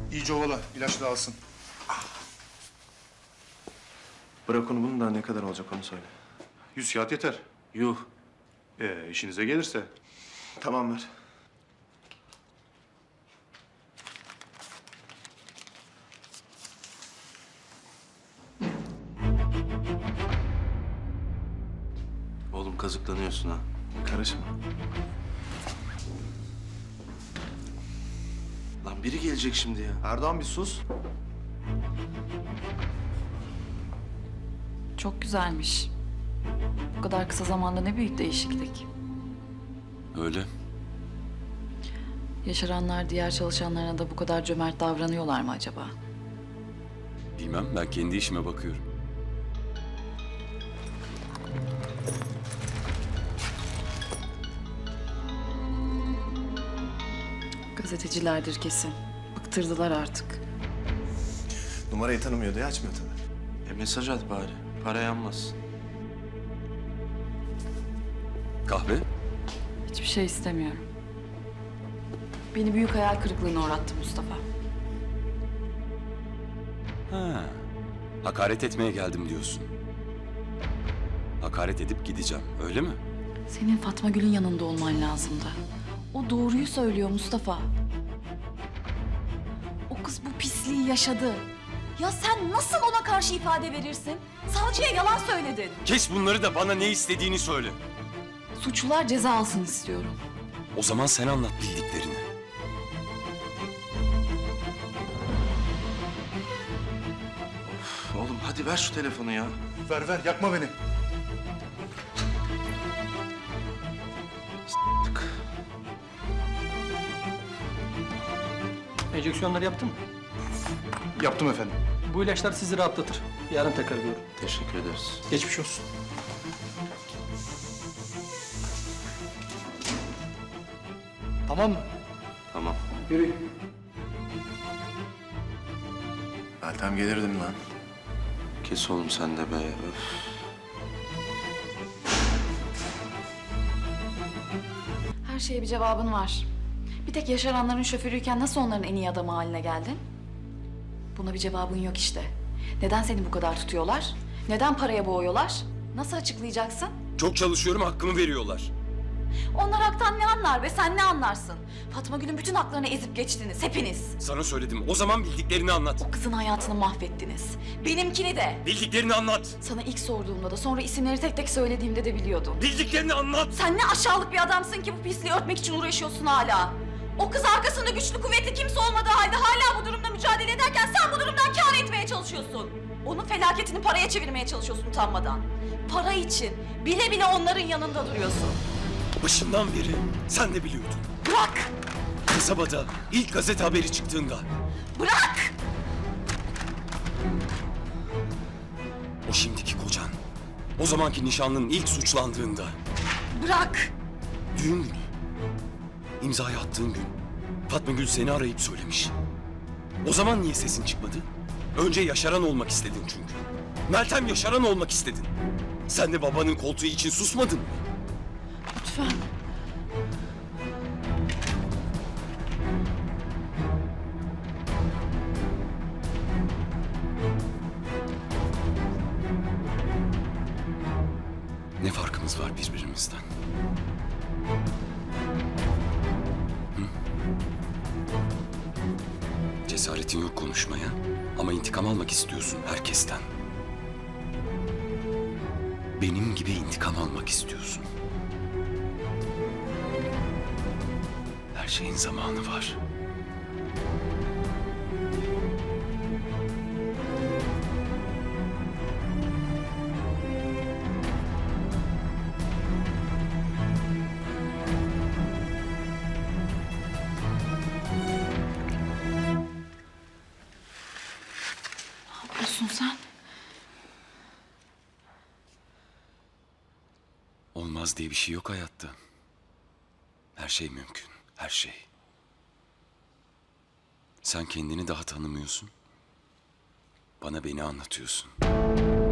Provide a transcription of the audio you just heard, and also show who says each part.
Speaker 1: İyice ovala, ilaç da alsın.
Speaker 2: Bırak onu, bunun daha ne kadar olacak onu söyle.
Speaker 1: 100 kağıt yeter.
Speaker 2: Yuh.
Speaker 1: İşinize gelirse.
Speaker 2: Tamam ver.
Speaker 3: Oğlum kazıklanıyorsun ha.
Speaker 2: Karışma.
Speaker 3: Lan biri gelecek şimdi ya.
Speaker 2: Erdoğan bir sus.
Speaker 4: Çok güzelmiş. Bu kadar kısa zamanda ne büyük değişiklik.
Speaker 3: Öyle.
Speaker 4: Yaşaranlar diğer çalışanlarına da bu kadar cömert davranıyorlar mı acaba?
Speaker 5: Bilmem, ben kendi işime bakıyorum.
Speaker 4: Gazetecilerdir kesin. Bıktırdılar artık.
Speaker 2: Numarayı tanımıyor diye açmıyor tabii.
Speaker 3: Mesaj at bari. Para yanmaz.
Speaker 5: Kahve?
Speaker 4: Hiçbir şey istemiyorum. Beni büyük hayal kırıklığına uğrattı Mustafa.
Speaker 5: Ha, hakaret etmeye geldim diyorsun. Hakaret edip gideceğim, öyle mi?
Speaker 4: Senin Fatma Gül'ün yanında olman lazımdı. O doğruyu söylüyor Mustafa. O kız bu pisliği yaşadı. Ya sen nasıl ona karşı ifade verirsin? Savcıya yalan söyledin.
Speaker 5: Kes bunları da bana ne istediğini söyle.
Speaker 4: Suçlular ceza alsın istiyorum.
Speaker 5: O zaman sen anlat bildiklerini.
Speaker 3: Oğlum hadi ver şu telefonu ya.
Speaker 1: Ver ver, yakma beni.
Speaker 3: Tık.
Speaker 6: Enjeksiyonları yaptın mı?
Speaker 1: Yaptım efendim.
Speaker 6: Bu ilaçlar sizi rahatlatır. Yarın tekrar görürüm.
Speaker 3: Teşekkür ederiz.
Speaker 6: Geçmiş olsun. Tamam mı?
Speaker 3: Tamam.
Speaker 6: Yürü.
Speaker 2: Meltem gelirdim lan.
Speaker 3: Kes oğlum sen de be. Öf.
Speaker 4: Her şeye bir cevabın var. Bir tek yaşaranların şoförüyken nasıl onların en iyi adamı haline geldin? Buna bir cevabın yok işte. Neden seni bu kadar tutuyorlar? Neden paraya boğuyorlar? Nasıl açıklayacaksın?
Speaker 5: Çok çalışıyorum, hakkımı veriyorlar.
Speaker 4: Onlar haktan ne anlar be, sen ne anlarsın? Fatma Gül'ün bütün haklarını ezip geçtiniz, hepiniz.
Speaker 5: Sana söyledim, o zaman bildiklerini anlat.
Speaker 4: O kızın hayatını mahvettiniz. Benimkini de.
Speaker 5: Bildiklerini anlat.
Speaker 4: Sana ilk sorduğumda da sonra isimleri tek tek söylediğimde de biliyordun.
Speaker 5: Bildiklerini anlat.
Speaker 4: Sen ne aşağılık bir adamsın ki bu pisliği örtmek için uğraşıyorsun hala. O kız arkasında güçlü kuvvetli kimse olmadığı halde hala bu durumda mücadele ederken sen bu durumdan kâr etmeye çalışıyorsun. Onun felaketini paraya çevirmeye çalışıyorsun utanmadan. Para için bile bile onların yanında duruyorsun.
Speaker 5: Başından beri sen de biliyordun.
Speaker 4: Bırak!
Speaker 5: Kasabada ilk gazete haberi çıktığında,
Speaker 4: Bırak!
Speaker 5: o şimdiki kocan, o zamanki nişanlının ilk suçlandığında,
Speaker 4: Bırak!
Speaker 5: düğün günü, imzayı attığın gün Fatma Gül seni arayıp söylemiş. O zaman niye sesin çıkmadı? Önce yaşaran olmak istedin çünkü. Meltem yaşaran olmak istedin. Sen de babanın koltuğu için susmadın mı?
Speaker 4: Lütfen.
Speaker 5: Ne farkımız var birbirimizden? Hı? Cesaretin yok konuşmaya ama intikam almak istiyorsun herkesten. Benim gibi intikam almak istiyorsun. Her şeyin zamanı var.
Speaker 4: Ne yapıyorsun sen?
Speaker 5: Olmaz diye bir şey yok hayatta. Her şey mümkün, her şey. Sen kendini daha tanımıyorsun. Bana beni anlatıyorsun.